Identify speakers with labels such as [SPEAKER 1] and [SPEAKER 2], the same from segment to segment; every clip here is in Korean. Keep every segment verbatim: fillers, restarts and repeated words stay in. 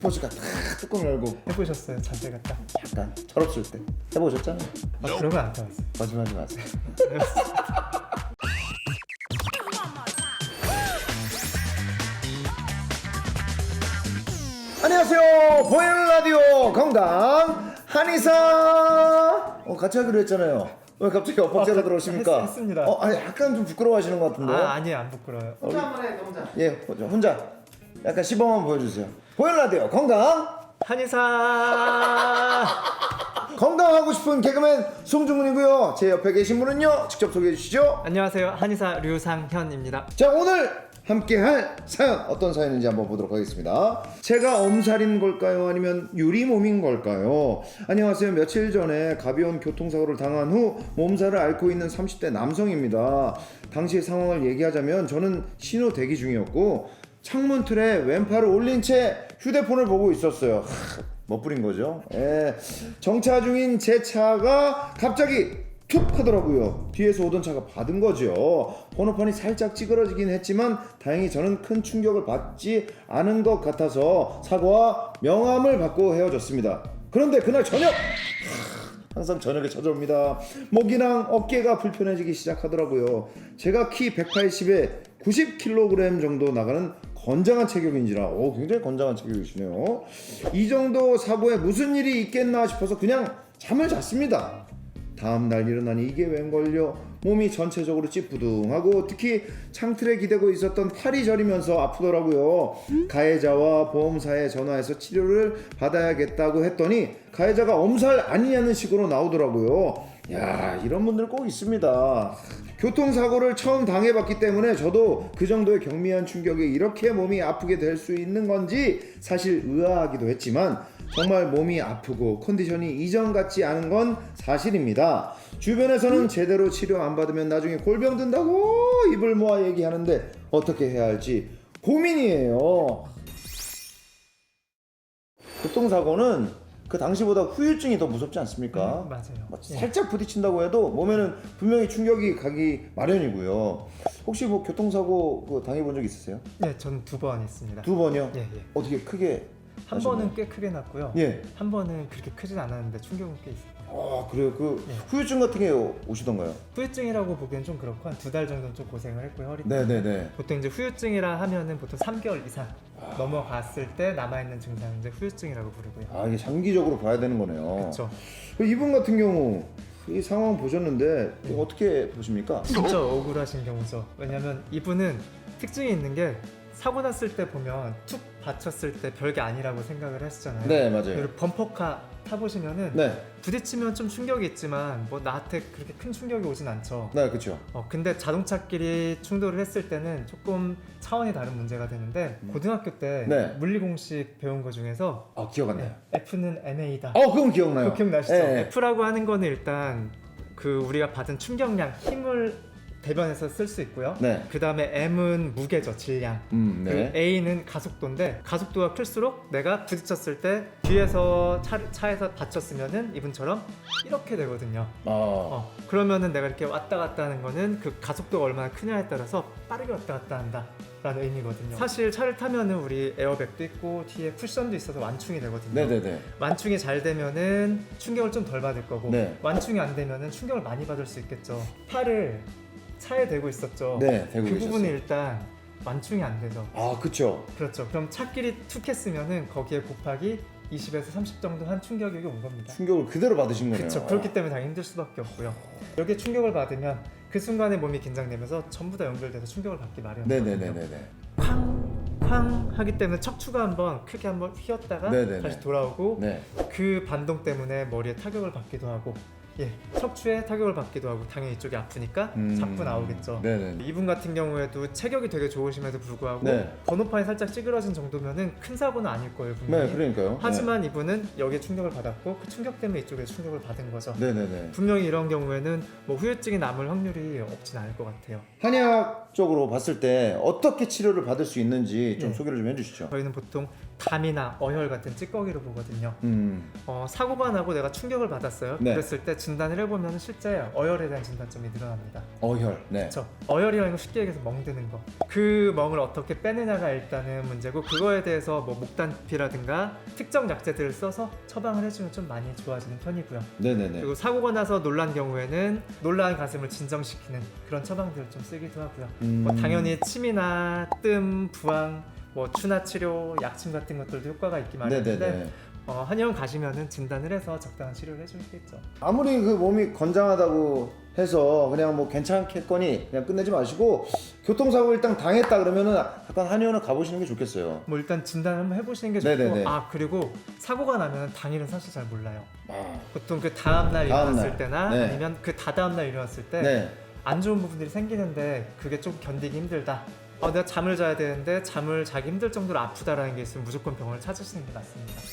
[SPEAKER 1] 포즈가 탁 뚜껑 열고
[SPEAKER 2] 해보셨어요? 자세가 딱.
[SPEAKER 1] 약간 철없을 때 해보셨잖아요.
[SPEAKER 2] 아, 그런 건 안 해봤어요.
[SPEAKER 1] 거짓말하지 마세요. 안녕하세요. 보이는 라디오 건강 한의사. 어, 같이 하기로 했잖아요. 왜 갑자기 엇박자가
[SPEAKER 2] 아,
[SPEAKER 1] 들어오십니까?
[SPEAKER 2] 했, 했습니다.
[SPEAKER 1] 어, 아니 약간 좀 부끄러워하시는 것 같은데.
[SPEAKER 2] 아 아니에요, 안 부끄러워요.
[SPEAKER 1] 혼자 한번 해, 혼자. 예, 혼자. 혼자. 약간 시범 보여주세요. 보이는 라디오 건강
[SPEAKER 2] 한의사.
[SPEAKER 1] 건강하고 싶은 개그맨 송중근이고요. 제 옆에 계신 분은요, 직접 소개해 주시죠.
[SPEAKER 2] 안녕하세요, 한의사 류상현입니다.
[SPEAKER 1] 자, 오늘 함께할 사연 어떤 사연인지 한번 보도록 하겠습니다. 제가 엄살인 걸까요? 아니면 유리몸인 걸까요? 안녕하세요. 며칠 전에 가벼운 교통사고를 당한 후 몸살을 앓고 있는 삼십 대 남성입니다. 당시 상황을 얘기하자면 저는 신호 대기 중이었고 창문 틀에 왼팔을 올린 채 휴대폰을 보고 있었어요. 하, 멋부린 거죠. 예. 정차 중인 제 차가 갑자기 툭 하더라고요. 뒤에서 오던 차가 받은 거죠. 번호판이 살짝 찌그러지긴 했지만 다행히 저는 큰 충격을 받지 않은 것 같아서 사과와 명함을 받고 헤어졌습니다. 그런데 그날 저녁! 항상 저녁에 찾아옵니다. 목이랑 어깨가 불편해지기 시작하더라고요. 제가 키 백팔십에 구십 킬로그램 정도 나가는 건장한 체격인지라 오, 굉장히 건장한 체격이시네요. 이 정도 사고에 무슨 일이 있겠나 싶어서 그냥 잠을 잤습니다. 다음날 일어나니 이게 웬걸요? 몸이 전체적으로 찌뿌둥하고 특히 창틀에 기대고 있었던 팔이 저리면서 아프더라고요. 가해자와 보험사에 전화해서 치료를 받아야겠다고 했더니 가해자가 엄살 아니냐는 식으로 나오더라고요. 야, 이런 분들 꼭 있습니다. 교통사고를 처음 당해봤기 때문에 저도 그 정도의 경미한 충격에 이렇게 몸이 아프게 될 수 있는 건지 사실 의아하기도 했지만 정말 몸이 아프고 컨디션이 이전 같지 않은 건 사실입니다. 주변에서는 제대로 치료 안 받으면 나중에 골병 든다고 입을 모아 얘기하는데 어떻게 해야 할지 고민이에요. 교통사고는 그 당시보다 후유증이 더 무섭지 않습니까?
[SPEAKER 2] 음, 맞아요.
[SPEAKER 1] 뭐
[SPEAKER 2] 예.
[SPEAKER 1] 살짝 부딪힌다고 해도 몸에는 분명히 충격이 가기 마련이고요. 혹시 뭐 교통사고 그 당해본 적 있으세요?
[SPEAKER 2] 네, 전 두 번 했습니다.
[SPEAKER 1] 두 번이요?
[SPEAKER 2] 예, 예.
[SPEAKER 1] 어떻게 크게?
[SPEAKER 2] 한
[SPEAKER 1] 하셨나요?
[SPEAKER 2] 번은 꽤 크게 났고요.
[SPEAKER 1] 예.
[SPEAKER 2] 한 번은 그렇게 크진 않았는데 충격은 꽤 있어요.
[SPEAKER 1] 아, 그래요? 그
[SPEAKER 2] 예.
[SPEAKER 1] 후유증 같은 게 오시던가요?
[SPEAKER 2] 후유증이라고 보기엔 좀 그렇고 한 두 달 정도는 좀 고생을 했고요, 허리 때문에.
[SPEAKER 1] 네네네.
[SPEAKER 2] 보통 이제 후유증이라 하면은 보통 삼 개월 이상 넘어갔을 때 남아있는 증상을 이제 후유증이라고 부르고요.
[SPEAKER 1] 아, 이게 장기적으로 봐야 되는 거네요.
[SPEAKER 2] 그렇죠.
[SPEAKER 1] 이분 같은 경우 이 상황 보셨는데
[SPEAKER 2] 네.
[SPEAKER 1] 어떻게 보십니까?
[SPEAKER 2] 진짜 억울하신 경우죠. 왜냐면 이분은 특징이 있는 게 사고 났을 때 보면 툭 받쳤을 때 별게 아니라고 생각을 하시잖아요.
[SPEAKER 1] 네, 맞아요.
[SPEAKER 2] 그리고 범퍼카 타보시면은
[SPEAKER 1] 네,
[SPEAKER 2] 부딪히면 좀 충격이 있지만 뭐 나한테 그렇게 큰 충격이 오진 않죠.
[SPEAKER 1] 네, 그렇죠.
[SPEAKER 2] 어, 근데 자동차끼리 충돌을 했을 때는 조금 차원이 다른 문제가 되는데 고등학교 때
[SPEAKER 1] 네.
[SPEAKER 2] 물리 공식 배운 거 중에서
[SPEAKER 1] 아, 기억 안 나요.
[SPEAKER 2] F는 엠에이다.
[SPEAKER 1] 어, 그건 기억나요.
[SPEAKER 2] 그거 기억나시죠?
[SPEAKER 1] 네.
[SPEAKER 2] F라고 하는 거는 일단 그 우리가 받은 충격량, 힘을 대변해서 쓸 수 있고요.
[SPEAKER 1] 네.
[SPEAKER 2] 그 다음에 M은 무게죠, 질량.
[SPEAKER 1] 음, 네.
[SPEAKER 2] 그 A는 가속도인데 가속도가 클수록 내가 부딪혔을 때 뒤에서 차, 차에서 받쳤으면은 이분처럼 이렇게 되거든요.
[SPEAKER 1] 아,
[SPEAKER 2] 어, 그러면은 내가 이렇게 왔다 갔다 하는 거는 그 가속도가 얼마나 크냐에 따라서 빠르게 왔다 갔다 한다 라는 의미거든요. 사실 차를 타면은 우리 에어백도 있고 뒤에 쿠션도 있어서 완충이 되거든요.
[SPEAKER 1] 네네네.
[SPEAKER 2] 완충이 잘 되면은 충격을 좀 덜 받을 거고
[SPEAKER 1] 네.
[SPEAKER 2] 완충이 안 되면은 충격을 많이 받을 수 있겠죠. 팔을 차에 대고 있었죠.
[SPEAKER 1] 네, 대고
[SPEAKER 2] 그
[SPEAKER 1] 계셨어요.
[SPEAKER 2] 부분이 일단 완충이 안 되죠.
[SPEAKER 1] 아, 그쵸.
[SPEAKER 2] 그렇죠. 그럼 차끼리 툭 했으면은 거기에 곱하기 이십에서 삼십 정도 한 충격이 온 겁니다.
[SPEAKER 1] 충격을 그대로 받으신 거네요.
[SPEAKER 2] 그렇죠. 그렇기 때문에 당연히 힘들 수밖에 없고요. 여기에 충격을 받으면 그 순간에 몸이 긴장되면서 전부 다 연결돼서 충격을 받기 마련이거든요.
[SPEAKER 1] 네네네네네.
[SPEAKER 2] 쾅! 쾅! 하기 때문에 척추가 한번 크게 한번 휘었다가
[SPEAKER 1] 네네네.
[SPEAKER 2] 다시 돌아오고
[SPEAKER 1] 네.
[SPEAKER 2] 그 반동 때문에 머리에 타격을 받기도 하고 예, 척추에 타격을 받기도 하고 당연히 이쪽이 아프니까
[SPEAKER 1] 음,
[SPEAKER 2] 자꾸 나오겠죠.
[SPEAKER 1] 네네.
[SPEAKER 2] 이분 같은 경우에도 체격이 되게 좋으심에도 불구하고
[SPEAKER 1] 네.
[SPEAKER 2] 번호판이 살짝 찌그러진 정도면은 큰 사고는 아닐 거예요, 분명히.
[SPEAKER 1] 네, 그러니까요.
[SPEAKER 2] 하지만 이분은 여기에 충격을 받았고 그 충격 때문에 이쪽에 충격을 받은 거죠.
[SPEAKER 1] 네. 네네네.
[SPEAKER 2] 분명히 이런 경우에는 뭐 후유증이 남을 확률이 없진 않을 것 같아요.
[SPEAKER 1] 한의학적으로 봤을 때 어떻게 치료를 받을 수 있는지 좀
[SPEAKER 2] 네.
[SPEAKER 1] 소개를 좀 해주시죠.
[SPEAKER 2] 저희는 보통 감이나 어혈 같은 찌꺼기로 보거든요.
[SPEAKER 1] 음.
[SPEAKER 2] 어, 사고가 나고 내가 충격을 받았어요.
[SPEAKER 1] 네.
[SPEAKER 2] 그랬을 때 진단을 해보면 실제 어혈에 대한 진단점이 늘어납니다.
[SPEAKER 1] 어혈. 네.
[SPEAKER 2] 그렇죠. 어혈이라는 건 쉽게 얘기해서 멍드는 거. 그 멍을 어떻게 빼느냐가 일단은 문제고, 그거에 대해서 뭐 목단피라든가 특정 약재들을 써서 처방을 해주면 좀 많이 좋아지는 편이고요.
[SPEAKER 1] 네네네.
[SPEAKER 2] 그리고 사고가 나서 놀란 경우에는 놀란 가슴을 진정시키는 그런 처방들을 좀 쓰기도 하고요.
[SPEAKER 1] 음.
[SPEAKER 2] 뭐 당연히 침이나 뜸, 부항, 뭐 추나 치료, 약침 같은 것들도 효과가 있기 마련인데
[SPEAKER 1] 네네네.
[SPEAKER 2] 어, 한의원 가시면은 진단을 해서 적당한 치료를 해주겠죠.
[SPEAKER 1] 아무리 그 몸이 건장하다고 해서 그냥 뭐 괜찮겠거니 그냥 끝내지 마시고, 교통사고 일단 당했다 그러면은 약간 한의원을 가보시는 게 좋겠어요.
[SPEAKER 2] 뭐 일단 진단 한번 해보시는 게
[SPEAKER 1] 네네네.
[SPEAKER 2] 좋고, 아 그리고 사고가 나면 당일은 사실 잘 몰라요.
[SPEAKER 1] 아.
[SPEAKER 2] 보통 그 다음 날
[SPEAKER 1] 다음
[SPEAKER 2] 일어났을
[SPEAKER 1] 날.
[SPEAKER 2] 때나
[SPEAKER 1] 네.
[SPEAKER 2] 아니면 그 다다음 날 일어났을 때 안
[SPEAKER 1] 네.
[SPEAKER 2] 좋은 부분들이 생기는데 그게 좀 견디기 힘들다. 어, 내가 잠을 자야 되는데 잠을 자기 힘들 정도로 아프다라는 게 있으면 무조건 병원을 찾으시는 게 맞습니다.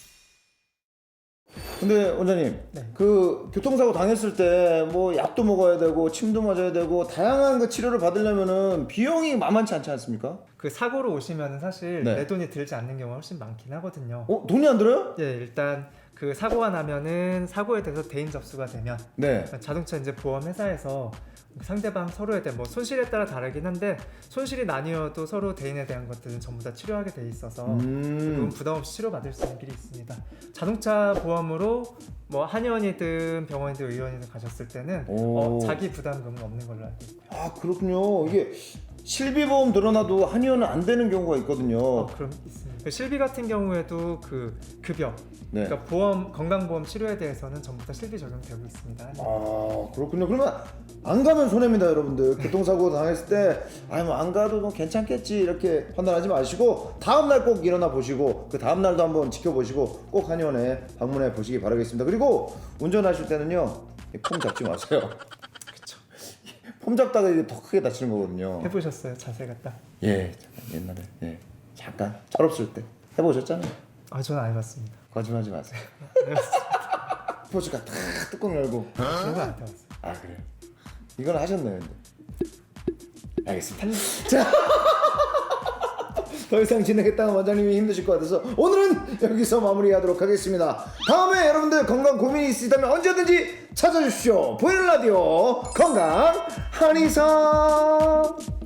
[SPEAKER 1] 근데 원장님,
[SPEAKER 2] 네.
[SPEAKER 1] 그 교통사고 당했을 때 뭐 약도 먹어야 되고 침도 맞아야 되고 다양한 그 치료를 받으려면은 비용이 만만치 않지 않습니까?
[SPEAKER 2] 그 사고로 오시면 사실
[SPEAKER 1] 네.
[SPEAKER 2] 내 돈이 들지 않는 경우가 훨씬 많긴 하거든요.
[SPEAKER 1] 어? 돈이 안 들어요?
[SPEAKER 2] 예, 일단 그 사고가 나면은 사고에 대해서 대인 접수가 되면
[SPEAKER 1] 네.
[SPEAKER 2] 자동차 이제 보험 회사에서 상대방 서로에 대한 뭐 손실에 따라 다르긴 한데, 손실이 나뉘어도 서로 대인에 대한 것들은 전부 다 치료하게 돼 있어서
[SPEAKER 1] 음.
[SPEAKER 2] 그건 부담 없이 치료받을 수 있는 길이 있습니다. 자동차 보험으로 뭐 한의원이든 병원이든 의원이든 가셨을 때는
[SPEAKER 1] 오.
[SPEAKER 2] 어, 자기 부담금은 없는 걸로 알고 있고요.
[SPEAKER 1] 아 그렇군요. 이게 실비보험 들어놔도 한의원은 안 되는 경우가 있거든요.
[SPEAKER 2] 어, 그럼 있습니다. 그 실비 같은 경우에도 그 급여,
[SPEAKER 1] 네.
[SPEAKER 2] 그러니까 보험 건강보험 치료에 대해서는 전부 다 실비 적용되고 있습니다.
[SPEAKER 1] 아 그렇군요. 그러면 안 가면 손해입니다, 여러분들. 교통사고 당했을 때 아니 뭐 안 가도 뭐 괜찮겠지 이렇게 판단하지 마시고 다음 날 꼭 일어나 보시고 그 다음 날도 한번 지켜보시고 꼭 한의원에 방문해 보시기 바라겠습니다. 그리고 운전하실 때는요, 폼 잡지 마세요.
[SPEAKER 2] 그렇죠.
[SPEAKER 1] 폼 잡다가 이게 더 크게 다치는 거거든요.
[SPEAKER 2] 해보셨어요? 자세가 딱?
[SPEAKER 1] 예, 잠깐 옛날에 예 잠깐 철없을 때 해보셨잖아요.
[SPEAKER 2] 아, 저는 안 해봤습니다.
[SPEAKER 1] 거짓말하지 마세요. 포즈가 탁 뚜껑 열고.
[SPEAKER 2] 그런 거안 해봤어요.
[SPEAKER 1] 아 그래요? 이건 하셨나요? 근데? 알겠습니다. 자, 더 이상 진행했다가 원장님이 힘드실 것 같아서 오늘은 여기서 마무리하도록 하겠습니다. 다음에 여러분들 건강 고민이 있으시다면 언제든지 찾아주십시오. 보이는 라디오 건강 한의사.